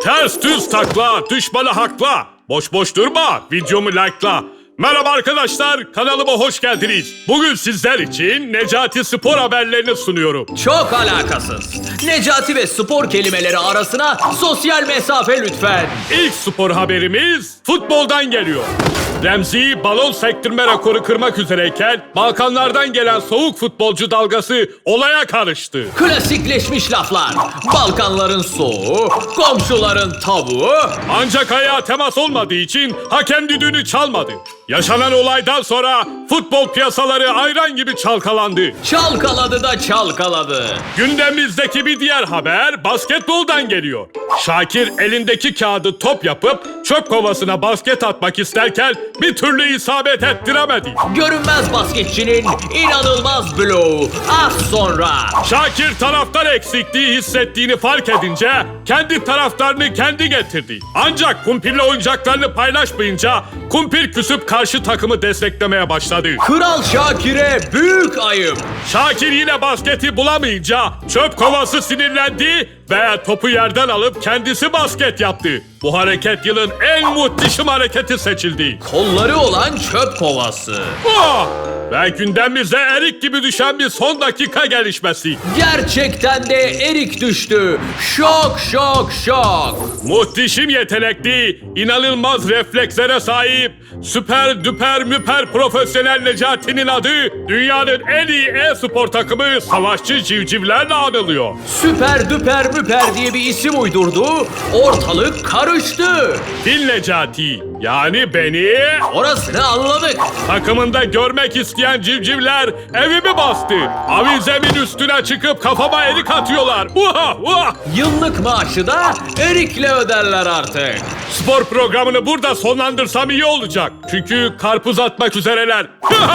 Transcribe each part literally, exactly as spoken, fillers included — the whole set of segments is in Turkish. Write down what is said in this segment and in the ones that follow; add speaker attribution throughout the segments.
Speaker 1: Ters düz takla, düşmanı hakla. Boş boş durma, videomu like'la. Merhaba arkadaşlar, kanalıma hoş geldiniz. Bugün sizler için Necati spor haberlerini sunuyorum.
Speaker 2: Çok alakasız. Necati ve spor kelimeleri arasına sosyal mesafe lütfen.
Speaker 1: İlk spor haberimiz futboldan geliyor. Remzi balon sektirme rekoru kırmak üzereyken Balkanlardan gelen soğuk futbolcu dalgası olaya karıştı.
Speaker 2: Klasikleşmiş laflar. Balkanların soğuğu, komşuların tavuğu.
Speaker 1: Ancak ayağa temas olmadığı için hakem düdüğünü çalmadı. Yaşanan olaydan sonra futbol piyasaları ayran gibi çalkalandı.
Speaker 2: Çalkaladı da çalkaladı.
Speaker 1: Gündemimizdeki bir diğer haber basketboldan geliyor. Şakir elindeki kağıdı top yapıp çöp kovasına basket atmak isterken bir türlü isabet ettiremedi.
Speaker 2: Görünmez basketçinin inanılmaz bloğu. Az sonra.
Speaker 1: Şakir taraftar eksikliği hissettiğini fark edince kendi taraftarını kendi getirdi. Ancak kumpirle oyuncaklarını paylaşmayınca kumpir küsüp karşı takımı desteklemeye başladı.
Speaker 2: Kral Şakir'e büyük ayıp.
Speaker 1: Şakir yine basketi bulamayınca çöp kovası sinirlendi ve topu yerden alıp kendisi basket yaptı. Bu hareket yılın en muhteşem hareketi seçildi.
Speaker 2: Kolları olan çöp kovası.
Speaker 1: Oh! Ve gündemimize erik gibi düşen bir son dakika gelişmesi.
Speaker 2: Gerçekten de erik düştü. Şok şok şok.
Speaker 1: Muhteşem yetenekli, inanılmaz reflekslere sahip, süper düper müper profesyonel Necati'nin adı dünyanın en iyi e-spor takımı Savaşçı Civcivlerle anılıyor.
Speaker 2: Süper düper müper diye bir isim uydurdu. Ortalık karıştı.
Speaker 1: Dil Necati, yani beni
Speaker 2: Orasını anladık.
Speaker 1: takımında görmek isteyen civcivler evimi bastı. Avizemin üstüne çıkıp kafama erik atıyorlar. Uha, uha.
Speaker 2: Yıllık maaşı da erikle öderler artık.
Speaker 1: Spor programını burada sonlandırsam iyi olacak. Çünkü karpuz atmak üzereler.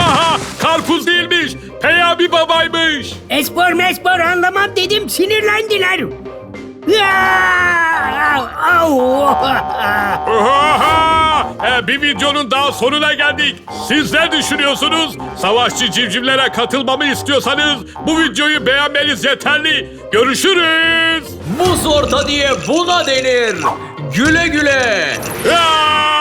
Speaker 1: Karpuz değilmiş, Peyami babaymış.
Speaker 3: Espor mespor anlamam dedim, sinirlendiler.
Speaker 1: Oha! Ee, bir videonun daha sonuna geldik. Siz ne düşünüyorsunuz? Savaşçı civcivlere katılmamı istiyorsanız bu videoyu beğenmeniz yeterli. Görüşürüz.
Speaker 2: Muz orta diye buna denir. Güle güle.
Speaker 1: Aa!